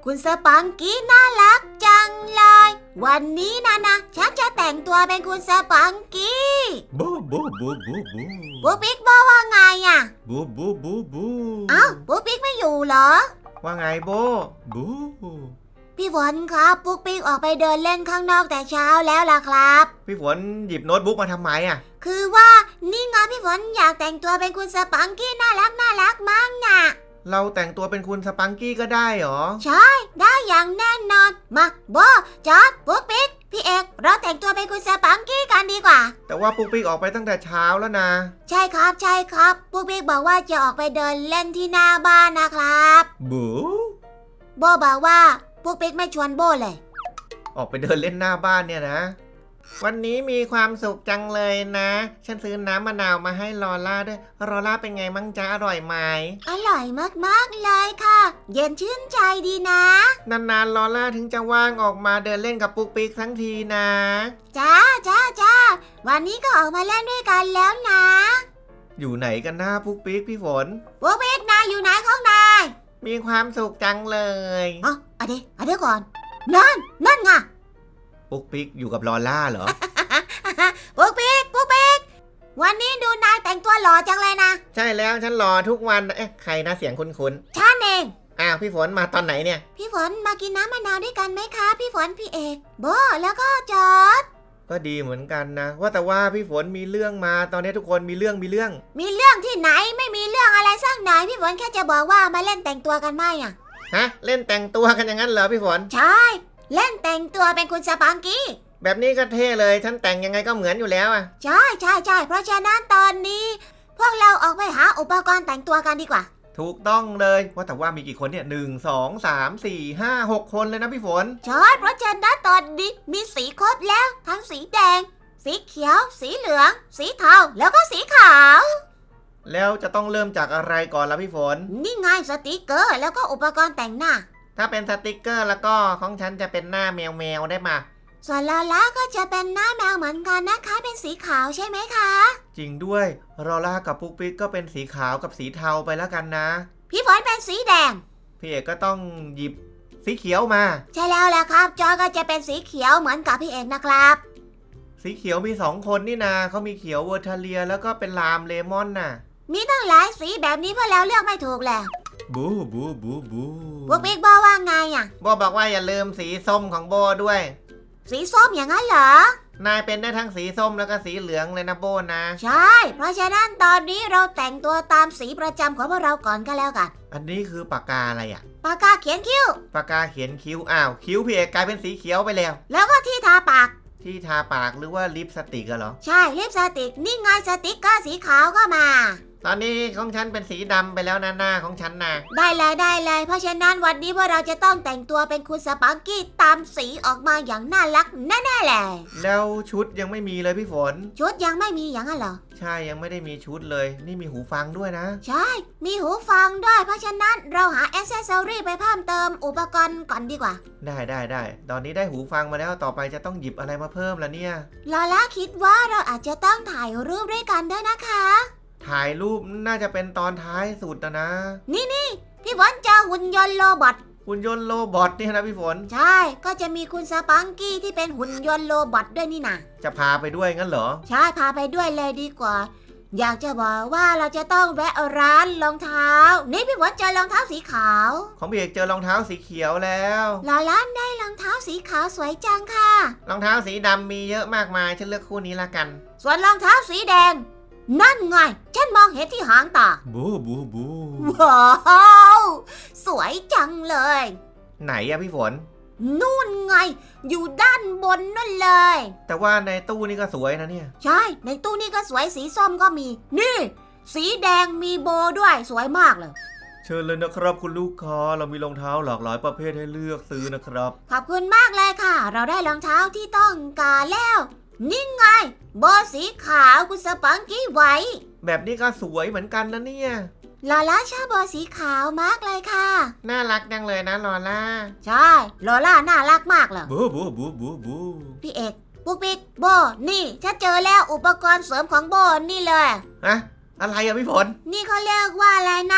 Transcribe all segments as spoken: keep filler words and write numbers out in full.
คุณสปังกี้น่ารักจังเลยวันนี้นะนะฉันจะแต่งตัวเป็นคุณสปังกี้บูบูบูบูบูปุ๊กปิ๊กบอกว่าไงอ่ะบูบูบูบูอ้าวปุ๊กปิ๊กไม่อยู่เหรอว่าไงโบบูพี่ฝนครับปุ๊กปิ๊กออกไปเดินเล่นข้างนอกแต่เช้าแล้วล่ะครับพี่ฝนหยิบโน้ตบุ๊กมาทำไมอ่ะคือว่านี่ไงพี่ฝนอยากแต่งตัวเป็นคุณสปังกี้น่ารักน่ารักมากน่ะเราแต่งตัวเป็นคุณสปังกี้ก็ได้หรอใช่ได้อย่างแน่นอนมาโบจอร์จปุ๊กปิ๊กพี่เอกเราแต่งตัวเป็นคุณสปังกี้กันดีกว่าแต่ว่าปุ๊กปิ๊กออกไปตั้งแต่เช้าแล้วนะใช่ครับใช่ครับปุ๊กปิ๊กบอกว่าจะออกไปเดินเล่นที่หน้าบ้านนะครับบูโบบอกว่าปุ๊กปิ๊กไม่ชวนโบเลยออกไปเดินเล่นหน้าบ้านเนี่ยนะวันนี้มีความสุขจังเลยนะฉันซื้อน้ำมะนาวมาให้ลอล่าด้วยลอล่าเป็นไงมั่งจ๊ะอร่อยไหมอร่อยมากๆเลยค่ะเย็นชื่นใจดีนะนานๆลอล่าถึงจะว่างออกมาเดินเล่นกับปุ๊กปิ๊กทั้งทีนะจ้าจ้าจ้าวันนี้ก็ออกมาเล่นด้วยกันแล้วนะอยู่ไหนกันหน้าปุ๊กปิ๊กพี่ฝนปุ๊กปิ๊กนายอยู่ไหนของนายมีความสุขจังเลยอ๋อเอาดิเอาดิก่อนนั่นนั่นไงปุ๊กปิ๊กอยู่กับลอล่าเหรอปุ๊กปิ๊กปุ๊กปิ๊กวันนี้ดูนายแต่งตัวหล่อจังเลยนะใช่แล้วฉันรอทุกวันเอ๊ะใครนะเสียงคุ้นๆฉันเองอ้าวพี่ฝนมาตอนไหนเนี่ยพี่ฝนมากินน้ำมะนาวด้วยกันไหมคะพี่ฝนพี่เอกโบแล้วก็จอร์จก็ดีเหมือนกันนะว่าแต่ว่าพี่ฝนมีเรื่องมาตอนนี้ทุกคนมีเรื่องมีเรื่องมีเรื่องที่ไหนไม่มีเรื่องอะไรสักหน่อยพี่ฝนแค่จะบอกว่ามาเล่นแต่งตัวกันไหมอ่ะฮะเล่นแต่งตัวกันอย่างนั้นเหรอพี่ฝนใช่เล่นแต่งตัวเป็นคุณสปังกี้แบบนี้ก็เท่เลยฉันแต่งยังไงก็เหมือนอยู่แล้วอ่ะใช่ใช่ใช่เพราะฉะนั้นตอนนี้พวกเราออกไปหาอุปกรณ์แต่งตัวกันดีกว่าถูกต้องเลยว่าแต่ว่ามีกี่คนเนี่ยหนึ่งสองสามสี่ห้าหกคนเลยนะพี่ฝนใช่เพราะฉะนั้นตอนนี้มีสีครบแล้วทั้งสีแดงสีเขียวสีเหลืองสีเทาแล้วก็สีขาวแล้วจะต้องเริ่มจากอะไรก่อนล่ะพี่ฝนนี่ไงสติกเกอร์แล้วก็อุปกรณ์แต่งหน้าถ้าเป็นสติกเกอร์แล้วก็ของฉันจะเป็นหน้าแมวแมวได้มาส่วนลอล่าก็จะเป็นหน้าแมวเหมือนกันนะคะเป็นสีขาวใช่ไหมคะจริงด้วยลอล่ากับปุ๊กปิ๊กก็เป็นสีขาวกับสีเทาไปแล้วกันนะพี่ฝนเป็นสีแดงพี่เอกก็ต้องหยิบสีเขียวมาใช่แล้วแหละครับจอยก็จะเป็นสีเขียวเหมือนกับพี่เอกนะครับสีเขียวมีสองคนนี่นาเขามีเขียวเวอร์ทาเลียแล้วก็เป็นลามเลมอนน่ะมีตั้งหลายสีแบบนี้เพื่อแล้วเลือกไม่ถูกแล้วบูบูบูบูปุ๊กปิ๊กบอกว่าไงอ่ะโบบอกว่าอย่าลืมสีส้มของโบด้วยสีส้มอย่างนั้นเหรอนายเป็นได้ทั้งสีส้มแล้วก็สีเหลืองเลยนะโบนะใช่เพราะฉะนั้นตอนนี้เราแต่งตัวตามสีประจำของพวกเราก่อนก็แล้วกันอันนี้คือปากกาอะไรอ่ะปากกาเขียนคิ้วปากกาเขียนคิ้วอ้าวคิ้วพี่เอกกลายเป็นสีเขียวไปแล้วแล้วก็ที่ทาปากที่ทาปากหรือว่าลิปสติกเหรอใช่ลิปสติกนี่ไงสติกเกอร์สีขาวก็มาตอนนี้ของฉันเป็นสีดำไปแล้วนะหน้าของฉันนะได้เลยได้เลยเพราะฉะนั้นวันนี้พวกเราจะต้องแต่งตัวเป็นคุณสปังกี้ตามสีออกมาอย่างน่ารักแน่ๆเลยแล้วชุดยังไม่มีเลยพี่ฝนชุดยังไม่มีอย่างนั้นเหรอใช่ยังไม่ได้มีชุดเลยนี่มีหูฟังด้วยนะใช่มีหูฟังด้วยเพราะฉะนั้นเราหาแอคเซสซอรี่ไปเพิ่มเติมอุปกรณ์ก่อนดีกว่าได้ได้ได้ตอนนี้ได้หูฟังมาแล้วต่อไปจะต้องหยิบอะไรมาเพิ่มล่ะเนี่ยลอล่าคิดว่าเราอาจจะต้องถ่ายรูปด้วยกันด้วยนะคะถ่ายรูปน่าจะเป็นตอนท้ายสุดนะนะนี่นี่พี่ฝนเจอหุ่นยนต์โรบอทหุ่นยนต์โรบอทนี่นะพี่ฝนใช่ก็จะมีคุณสปังกี้ที่เป็นหุ่นยนต์โรบอทด้วยนี่นะจะพาไปด้วยงั้นเหรอใช่พาไปด้วยเลยดีกว่าอยากจะบอกว่าเราจะต้องแวะร้านรองเท้านี่พี่ฝนเจอรองเท้าสีขาวของพี่เอกเจอรองเท้าสีเขียวแล้วลอล่าได้รองเท้าสีขาวสวยจังค่ะรองเท้าสีดำมีเยอะมากมายฉันเลือกคู่นี้ละกันส่วนรองเท้าสีแดงนั่นไงฉันมองเห็นที่หางตาบูบูบูว้าวสวยจังเลยไหนอะพี่ฝนนู่นไงอยู่ด้านบนนั่นเลยแต่ว่าในตู้นี่ก็สวยนะเนี่ยใช่ในตู้นี่ก็สวยสีส้มก็มีนี่สีแดงมีโบด้วยสวยมากเลยเชิญเลยนะครับคุณลูกค้าเรามีรองเท้าหลากหลายประเภทให้เลือกซื้อนะครับขอบคุณมากเลยค่ะเราได้รองเท้าที่ต้องการแล้วนี่ไงโบสีขาวคุณสปังกี้ไว้แบบนี้ก็สวยเหมือนกันนะเนี่ยลอล่าชอบโบสีขาวมากเลยค่ะน่ารักจังเลยนะลอล่าใช่ลอล่าน่ารักมากเลยบูบูบูบูบูพี่เอกปุ๊กปิ๊กโบนี่ฉันเจอแล้วอุปกรณ์เสริมของโบนี่เลยอะอะไรอะพี่ฝนนี่เขาเรียกว่าอะไรนะ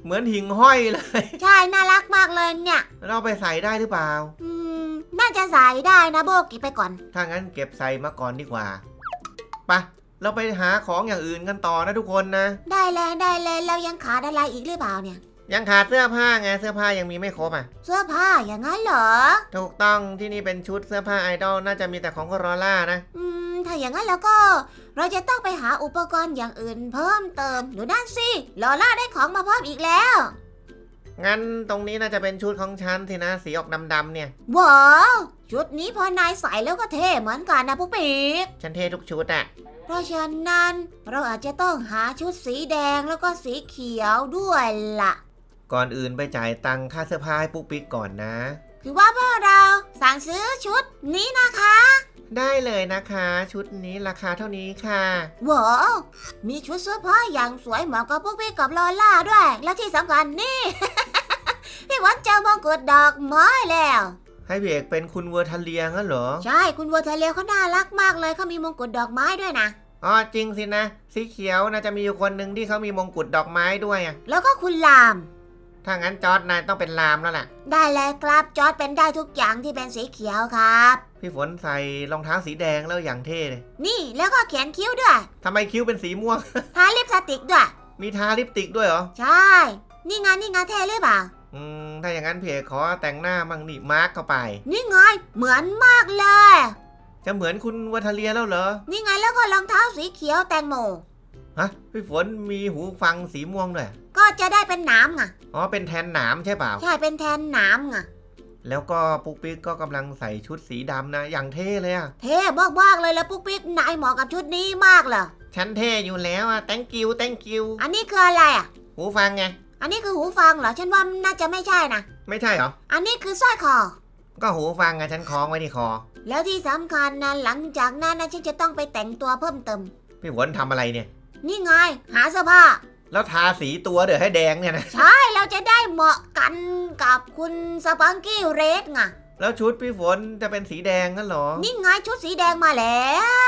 เหมือนหิ่งห้อยเลยใช่น่ารักมากเลยเนี่ยเราไปใส่ได้หรือเปล่าอืมน่าจะใส่ได้นะโบกิไปก่อนถ้างั้นเก็บใส่มาก่อนดีกว่าไปเราไปหาของอย่างอื่นกันต่อนะทุกคนนะได้เลยได้เลยเรายังขาดอะไรอีกหรือเปล่าเนี่ยยังขาดเสื้อผ้าไงเสื้อผ้ายังมีไม่ครบอ่ะเสื้อผ้าอย่างนั้นเหรอถูกต้องที่นี่เป็นชุดเสื้อผ้าไอดอลน่าจะมีแต่ของคอรอล่านะอืมถ้าอย่างนั้นแล้วก็ เราจะต้องไปหาอุปกรณ์อย่างอื่นเพิ่มเติมหนูนั่นสิลอล่าได้ของมาเพิ่มอีกแล้วงั้นตรงนี้น่าจะเป็นชุดของฉันสินะสีออกดำๆเนี่ยว้าวชุดนี้พอนายใส่แล้วก็เท่เหมือนกันนะพวกปีกฉันเท่ทุกชุดอ่ะเพราะฉะนั้นเราอาจจะต้องหาชุดสีแดงแล้วก็สีเขียวด้วยล่ะก่อนอื่นไปจ่ายตังค่าเสื้อผ้าให้ปุ๊กปิ๊กก่อนนะคือว่าพวกเราสั่งซื้อชุดนี้นะคะได้เลยนะคะ ชุดนี้ราคาเท่านี้ค่ะว้าวมีชุดเสื้อผ้าอย่างสวยเหมาะกับพวกพี่กับลอล่าด้วย และที่สำคัญนี่ พี่วันเจอมงกุฎดอกไม้แล้วให้พี่เอกเป็นคุณเวอร์ทันเลียงั้นเหรอใช่คุณวัวทะเลเขาน่ารักมากเลยเขามีมงกุฎดอกไม้ด้วยนะอ๋อจริงสินะ สีเขียวน่าจะมีอยู่คนหนึ่งที่เขามีมงกุฎดอกไม้ด้วยอ่ะแล้วก็คุณลามถ้างั้นจอร์ดนายต้องเป็นลามแล้วล่ะได้เลยครับจอร์ดเป็นได้ทุกอย่างที่เป็นสีเขียวครับพี่ฝนใส่รองเท้าสีแดงแล้วอย่างเท่เลยนี่แล้วก็เขียนคิ้วด้วยทำไมคิ้วเป็นสีม่วงทาลิปสติกด้วยมีทาลิปสติกด้วยเหรอใช่ นี่ไงนี่ไงเท่หรือเปล่าอืมถ้าอย่างนั้นพี่เอกขอแต่งหน้ามั่งนี่มาร์กเข้าไปนี่ไงเหมือนมากเลยจะเหมือนคุณเวอร์ทันเลียแล้วเหรอนี่ไงแล้วก็รองเท้าสีเขียวแตงโมฮะพี่ฝนมีหูฟังสีม่วงด้วยก็จะได้เป็นหนามไงอ๋อเป็นแทนหนามใช่เปล่าใช่เป็นแทนหนามไงแล้วก็ปุ๊กปิ๊กก็กำลังใส่ชุดสีดำนะอย่างเท่เลยอะเท่มากๆเลยแล้วปุ๊กปิ๊กนายเหมาะกับชุดนี้มากเลยฉันเท่อยู่แล้วอะ thank you thank you อันนี้คืออะไรอ่ะหูฟังไงอันนี้คือหูฟังเหรอฉันว่าน่าจะไม่ใช่นะไม่ใช่เหรออันนี้คือสร้อยคอก็หูฟังไงฉันคล้องไว้ที่คอแล้วที่สำคัญนะหลังจากนั้นนะฉันจะต้องไปแต่งตัวเพิ่มเติมพี่ฝนทำอะไรเนี่ยนี่ไงหาเสื้อผ้าแล้วทาสีตัวเดี๋ยวให้แดงเนี่ยนะใช่เราจะได้เหมาะกันกับคุณสปังกี้เรดไงแล้วชุดพี่ฝนจะเป็นสีแดงงั้นเหรอนี่ไงชุดสีแดงมาแล้ว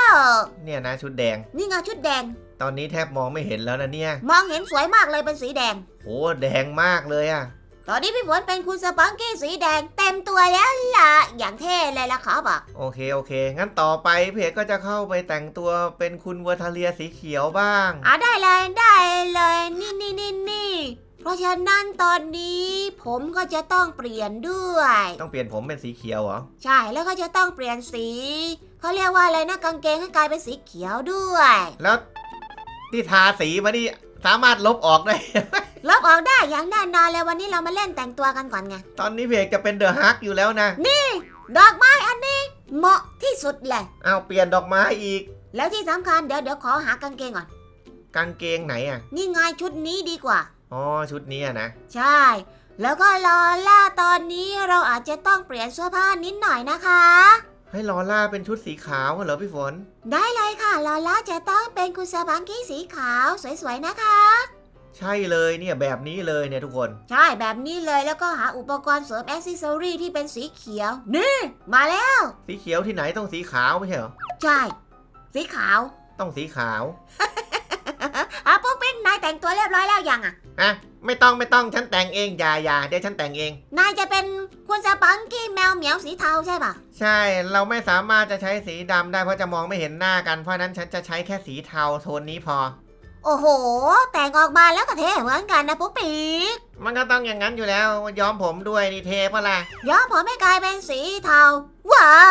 เนี่ยนะชุดแดงนี่ไงชุดแดงตอนนี้แทบมองไม่เห็นแล้วนะเนี่ยมองเห็นสวยมากเลยเป็นสีแดงโหแดงมากเลยอะตอนนี้พี่ฝนเป็นคุณสปังกี้สีแดงเต็มตัวแล้วล่ะอย่างเท่เลยล่ะครับอ่ะโอเคโอเค งั้นต่อไปพี่เอกก็จะเข้าไปแต่งตัวเป็นคุณเวอร์ทาเลียสีเขียวบ้างอ่ะได้เลยได้เลยนี่นี่นี่นี่เพราะฉะนั้นตอนนี้ผมก็จะต้องเปลี่ยนด้วยต้องเปลี่ยนผมเป็นสีเขียวเหรอใช่แล้วก็จะต้องเปลี่ยนสีเขาเรียกว่าอะไรนะกางเกงให้กลายเป็นสีเขียวด้วยแล้วที่ทาสีมานี่สามารถลบออกได้ลบออกได้อย่างแน่นอนเลยวันนี้เรามาเล่นแต่งตัวกันก่อนไงตอนนี้พี่เอกจะเป็นเดอะฮักอยู่แล้วนะดอกไม้อันนี้เหมาะที่สุดเลยเอาเปลี่ยนดอกไม้อีกแล้วที่สำคัญเดี๋ยวเดี๋ยวขอหากางเกงก่อนกางเกงไหนอ่ะนี่ไงชุดนี้ดีกว่าอ๋อชุดนี้อะนะใช่ แล้วก็ลอล่าตอนนี้เราอาจจะต้องเปลี่ยนเสื้อผ้านิดหน่อยนะคะให้ลอล่าเป็นชุดสีขาวเหรอพี่ฝนได้เลยค่ะลอล่าจะต้องเป็นคุณสปังกี้สีขาวสวยๆนะคะใช่เลยเนี่ยแบบนี้เลยเนี่ยทุกคนใช่แบบนี้เลยแล้วก็หาอุปกรณ์เสริมแอ c เซสซอรี่ที่เป็นสีเขียว นี่มาแล้วสีเขียวที่ไหนต้องสีขาวไม่ใช่เหรอใช่ สีขาวต้องสีขาวอ่ะปุ๊กปิ๊กนายแต่งตัวเรียบร้อยแล้วยังอ่ะอ่ะไม่ต้องไม่ต้องฉันแต่งเองอย่าอย่าเดี๋ยวฉันแต่งเองนายจะเป็นคุณสปังกี้แมวเหมียวสีเทาใช่ปะใช่เราไม่สามารถจะใช้สีดำได้เพราะจะมองไม่เห็นหน้ากันเพราะนั้นฉันจะใช้แค่สีเทาโทนนี้พอโอ้โห แต่งออกมาแล้วก็เท่เหมือนกันนะปุ๊กปิ๊กมันก็ต้องอย่างนั้นอยู่แล้วย้อมผมด้วยนี่เทปะล่ะย้อมผมให้กลายเป็นสีเทา ว้าว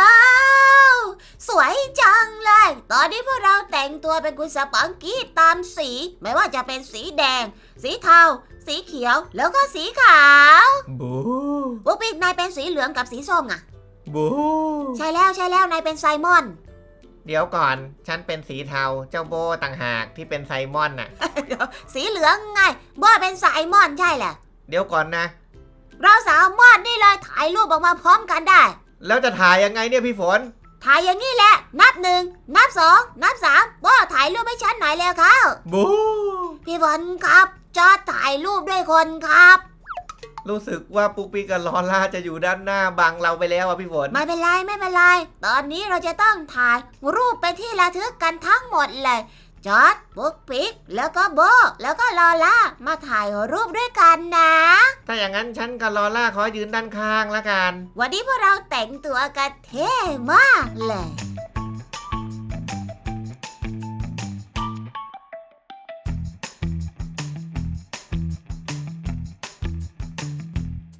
สวยจังเลย ตอนนี้พวกเราแต่งตัวเป็นคุณสปังกี้ตามสี ไม่ว่าจะเป็นสีแดง สีเทา สีเขียว แล้วก็สีขาวบูปุ๊กปิ๊กนายเป็นสีเหลืองกับสีส้มไงบูใช่แล้วใช่แล้วนายเป็นไซมอนเดี๋ยวก่อนฉันเป็นสีเทาเจ้าโบต่างหากที่เป็นไซมอนน่ะสีเหลืองไงบ้าเป็นไซมอนใช่แหละเดี๋ยวก่อนนะเราสามารถนี่เลยถ่ายรูปออกมาพร้อมกันได้แล้วจะถ่ายยังไงเนี่ยพี่ฝนถ่ายอย่างนี้แหละ นับหนึ่ง นับสอง นับสามบ้าถ่ายรูปให้ฉันหน่อยแล้วครับบูพี่ฝนครับจอดถ่ายรูปด้วยคนครับรู้สึกว่าปุ๊กปิ๊กกับลอล่าจะอยู่ด้านหน้าบังเราไปแล้วอ่ะพี่ฝนไม่เป็นไรไม่เป็นไร ตอนนี้เราจะต้องถ่ายรูปไปนที่ระทึกกันทั้งหมดเลยจอร์จปุ๊กปิ๊กแล้วก็โบแล้วก็ลอล่ามาถ่ายรูปด้วยกันนะถ้าอย่างนั้นฉันกับลอล่าขอยืนด้านข้างละกันวันนี้พวกเราแต่งตัวกันเท่มากเลย